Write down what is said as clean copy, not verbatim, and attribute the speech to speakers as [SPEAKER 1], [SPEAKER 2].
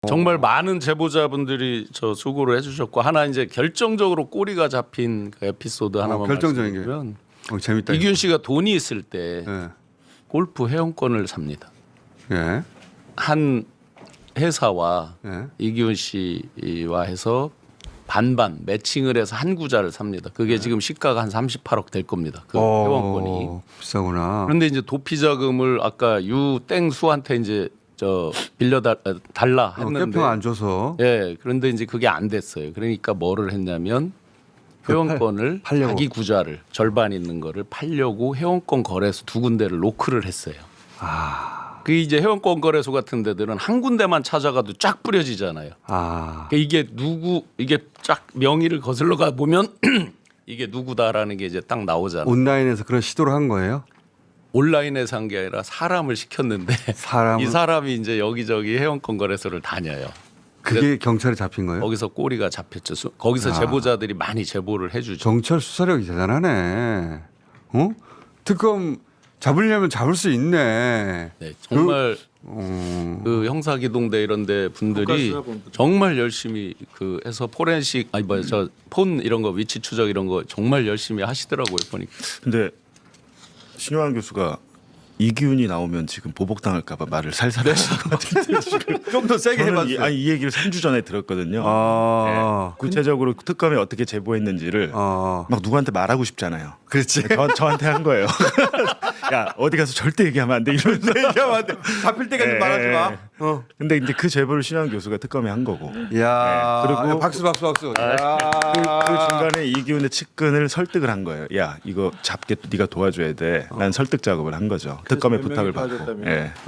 [SPEAKER 1] 정말 많은 제보자분들이 저 수고를 해주셨고 하나 이제 결정적으로 꼬리가 잡힌 그 에피소드 하나만
[SPEAKER 2] 결정적인 게.
[SPEAKER 1] 말씀드리면
[SPEAKER 2] 재밌다.
[SPEAKER 1] 이기훈 씨가 돈이 있을 때
[SPEAKER 2] 예.
[SPEAKER 1] 골프 회원권을 삽니다.
[SPEAKER 2] 예.
[SPEAKER 1] 한 회사와
[SPEAKER 2] 예.
[SPEAKER 1] 이기훈 씨와 해서 반반 매칭을 해서 한 구자를 삽니다. 그게 지금 시가가 한 38억 될 겁니다. 그 회원권이.
[SPEAKER 2] 비싸구나.
[SPEAKER 1] 그런데 이제 도피 자금을 아까 유땡수한테 이제 저 빌려 달라 했는데
[SPEAKER 2] 개평 안 줘서.
[SPEAKER 1] 예, 그런데 이제 그게 안 됐어요. 그러니까 뭐를 했냐면 회원권을
[SPEAKER 2] 팔려고.
[SPEAKER 1] 자기 구자를 절반 있는 거를 팔려고 회원권 거래소 두 군데를 노크를 했어요. 그 이제 회원권 거래소 같은 데들은 한 군데만 찾아가도 쫙 뿌려지잖아요. 그러니까 이게 쫙 명의를 거슬러 가 보면 이게 누구다라는 게 이제 딱 나오잖아요.
[SPEAKER 2] 온라인에서 그런 시도를 한 거예요?
[SPEAKER 1] 온라인에서 한 게 아니라 사람을 시켰는데
[SPEAKER 2] 사람을?
[SPEAKER 1] 이 사람이 이제 여기저기 회원권 거래소를 다녀요.
[SPEAKER 2] 그게 경찰에 잡힌 거예요?
[SPEAKER 1] 거기서 꼬리가 잡혔죠. 거기서 제보자들이 많이 제보를 해주죠.
[SPEAKER 2] 경찰 수사력이 대단하네. 특검 잡으려면 잡을 수 있네.
[SPEAKER 1] 네, 정말 그 형사기동대 이런데 분들이 정말 열심히 그 해서 포렌식 아니 뭐야 저 폰 이런 거 위치 추적 이런 거 정말 열심히 하시더라고요 보니까.
[SPEAKER 3] 근데 신효한 교수가 이기훈이 나오면 지금 보복당할까봐 말을 살살 하시는 것 같은데 지금
[SPEAKER 2] 좀 더 세게
[SPEAKER 3] 저는
[SPEAKER 2] 해봤어요.
[SPEAKER 3] 이 얘기를 3주 전에 들었거든요.
[SPEAKER 2] 아,
[SPEAKER 3] 구체적으로 특검이 어떻게 제보했는지를 막 누구한테 말하고 싶잖아요.
[SPEAKER 2] 그렇지.
[SPEAKER 3] 저한테 한 거예요. 야 어디 가서 절대 얘기하면 안 돼 이러면서
[SPEAKER 2] 얘기하면 안 돼. 잡힐 때까지 말하지 마.
[SPEAKER 3] 근데 이제 그 제보를 신효한 교수가 특검에 한 거고.
[SPEAKER 2] 야,
[SPEAKER 3] 그리고
[SPEAKER 2] 박수. 야.
[SPEAKER 3] 그 중간에 이기훈의 측근을 설득을 한 거예요. 야 이거 잡게 네가 도와줘야 돼. 난 설득 작업을 한 거죠. 특검의 부탁을 받고.